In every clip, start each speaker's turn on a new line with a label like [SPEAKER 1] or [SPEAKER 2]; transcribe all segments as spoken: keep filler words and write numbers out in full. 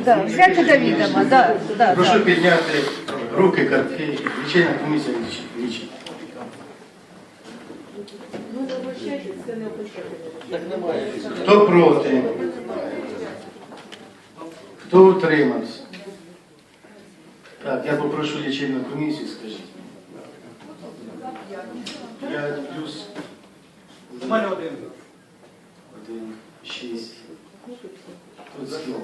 [SPEAKER 1] да, взяти до відома, да, да,
[SPEAKER 2] Прошу
[SPEAKER 1] да.
[SPEAKER 2] підняти руки, картки. Лічильна комісія лічить. Хто проти? Хто утримався? Так, я попрошу лічильну комісію, скажіть. П'ять плюс.
[SPEAKER 3] У мене один.
[SPEAKER 2] Один, шість. Тут скільки?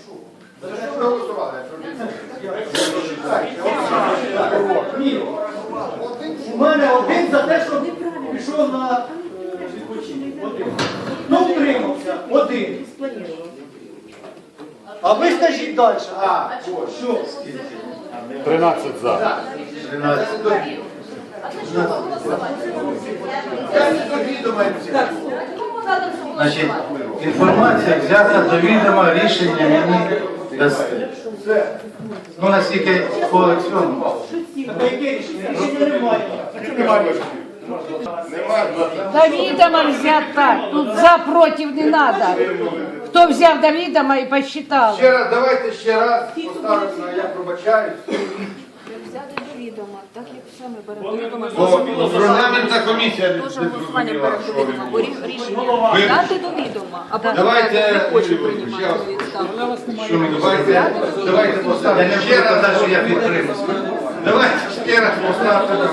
[SPEAKER 3] Ні. У мене один за те, що пішов на відпочинок. Один. Ну, утримався. Один. А ви скажіть далі. А, що?
[SPEAKER 4] тринадцять за.
[SPEAKER 2] тринадцять. Значить, інформація взята до відома, рішення мені дасте. Ну, наскільки по цьому.
[SPEAKER 3] Та яке рішення? Рішення немає.
[SPEAKER 1] До відома взяти так, тут за, проти не треба. Хто взяв до відома і посчитав.
[SPEAKER 5] Ще раз, давайте ще раз поставимо, я пробачаюсь.
[SPEAKER 6] Взяти до відома, так як саме беремо до відома.
[SPEAKER 5] Бо регламентна комісія не
[SPEAKER 6] Дуже голосування
[SPEAKER 5] зрозуміла,
[SPEAKER 6] беремо
[SPEAKER 5] що
[SPEAKER 6] до відома, бо
[SPEAKER 5] ви.
[SPEAKER 6] рі- рішення дати до відома, а потім
[SPEAKER 5] Давайте,
[SPEAKER 6] не хоче
[SPEAKER 5] ще
[SPEAKER 6] приймати
[SPEAKER 5] раз.
[SPEAKER 6] відставку.
[SPEAKER 2] Що мені
[SPEAKER 5] Давайте, давайте
[SPEAKER 2] Я
[SPEAKER 5] поставимо
[SPEAKER 2] не
[SPEAKER 5] ще
[SPEAKER 2] буду
[SPEAKER 5] раз.
[SPEAKER 2] казати, що я підтримую.
[SPEAKER 5] Давайте ще раз поставте.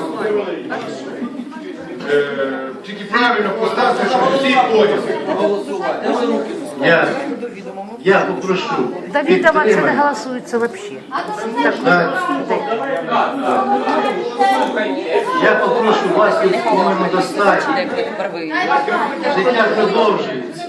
[SPEAKER 5] Е, Тільки правильно поставте, щоб всі поняли.
[SPEAKER 2] Я, я попрошу
[SPEAKER 1] До відома це не
[SPEAKER 2] підтримати.
[SPEAKER 1] голосується взагалі.
[SPEAKER 2] Так. Я попрошу вас тут, по-моєму, достатньо. Життя продовжується.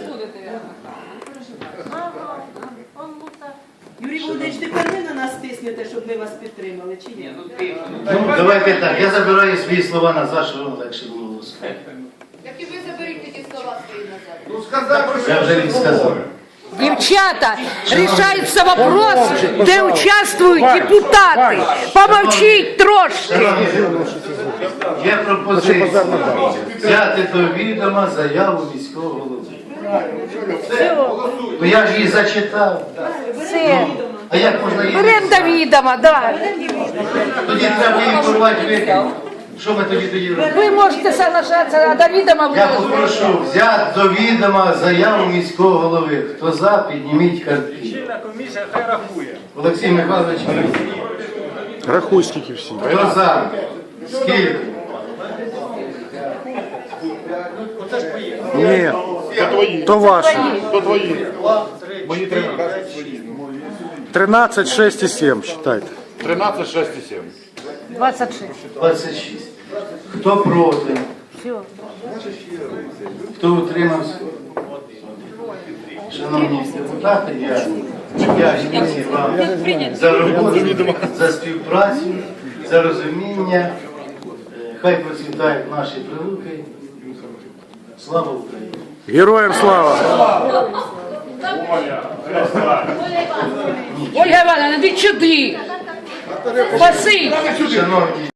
[SPEAKER 7] Юрій Володимирович, тепер ви на нас тиснете, щоб ми вас підтримали, чи ні?
[SPEAKER 2] Ну, давайте так, я забираю свої слова назад, щоб вам легше було голосувати.
[SPEAKER 8] Так і ви заберіть ті слова свої назад.
[SPEAKER 5] Ну сказав, що
[SPEAKER 2] Я вже їм сказав.
[SPEAKER 1] Дівчата, рішається вопрос, де участвують депутати. Помовчіть трошки.
[SPEAKER 2] Є пропозиція взяти до відома заяву міського голови. Ну я ж її зачитав.
[SPEAKER 1] Все.
[SPEAKER 2] А як можна її?
[SPEAKER 1] Беремо до відома, да.
[SPEAKER 2] Тоді треба її порвати викинути. Що ми тоді тоді робимо?
[SPEAKER 1] Ви можете соглашатися, а до відома ви
[SPEAKER 2] Я
[SPEAKER 1] не
[SPEAKER 2] попрошу взяти до відома заяву міського голови. Хто за, підніміть картки.
[SPEAKER 3] Лічильна комісія хай рахує.
[SPEAKER 2] Олексій Михайлович,
[SPEAKER 4] Рахуй скільки всі.
[SPEAKER 2] хто за? Скільки?
[SPEAKER 3] Оце ж поїхали.
[SPEAKER 4] Ні, То твої. то ваші. То твої.
[SPEAKER 3] Два, три,
[SPEAKER 4] Мої
[SPEAKER 3] чотири,
[SPEAKER 4] тринадцять.
[SPEAKER 3] п'ять, шість.
[SPEAKER 4] тринадцять, шість і сім, считайте.
[SPEAKER 9] тринадцять, шість і сім.
[SPEAKER 1] двадцять шість.
[SPEAKER 2] двадцять шість. Хто проти?
[SPEAKER 1] Все.
[SPEAKER 2] Хто утримався? Шановні депутати, я, я дякую вам за роботу, за співпрацю, за розуміння. Е, Хай процвітають наші прилуки. Слава Україні!
[SPEAKER 4] Героям слава!
[SPEAKER 1] Ольга Івановна, іди сюди. Спасибі.
[SPEAKER 2] Шановні